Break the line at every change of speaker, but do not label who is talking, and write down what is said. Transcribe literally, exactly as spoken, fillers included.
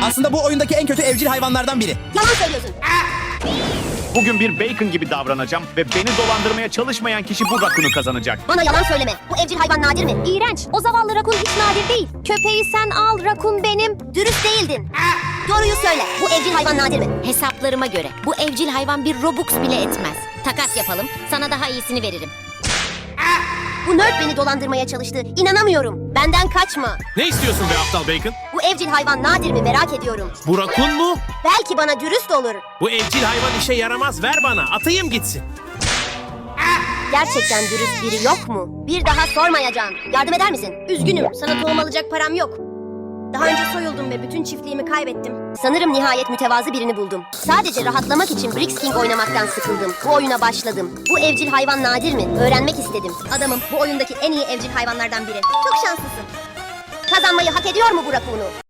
Aslında bu oyundaki en kötü evcil hayvanlardan biri.
Yalan söylüyorsun.
Bugün bir bacon gibi davranacağım ve beni dolandırmaya çalışmayan kişi bu rakunu kazanacak.
Bana yalan söyleme. Bu evcil hayvan nadir mi?
İğrenç. O zavallı rakun hiç nadir değil. Köpeği sen al, rakun benim.
Dürüst değildin. Doğruyu söyle. Bu evcil hayvan nadir mi?
Hesaplarıma göre bu evcil hayvan bir Robux bile etmez. Takas yapalım. Sana daha iyisini veririm.
Bu nerd beni dolandırmaya çalıştı. İnanamıyorum. Benden kaçma.
Ne istiyorsun be aptal bacon?
Bu evcil hayvan nadir mi merak ediyorum.
Bu rakun mu?
Belki bana dürüst olur.
Bu evcil hayvan işe yaramaz, ver bana, atayım gitsin.
Gerçekten dürüst biri yok mu? Bir daha sormayacağım. Yardım eder misin? Üzgünüm. Sana tohum alacak param yok. Daha önce soyuldum ve bütün çiftliğimi kaybettim. Sanırım nihayet mütevazı birini buldum. Sadece rahatlamak için Brix King oynamaktan sıkıldım. Bu oyuna başladım. Bu evcil hayvan nadir mi? Öğrenmek istedim. Adamım, bu oyundaki en iyi evcil hayvanlardan biri. Çok şanslısın. Kazanmayı hak ediyor mu bu rakunu?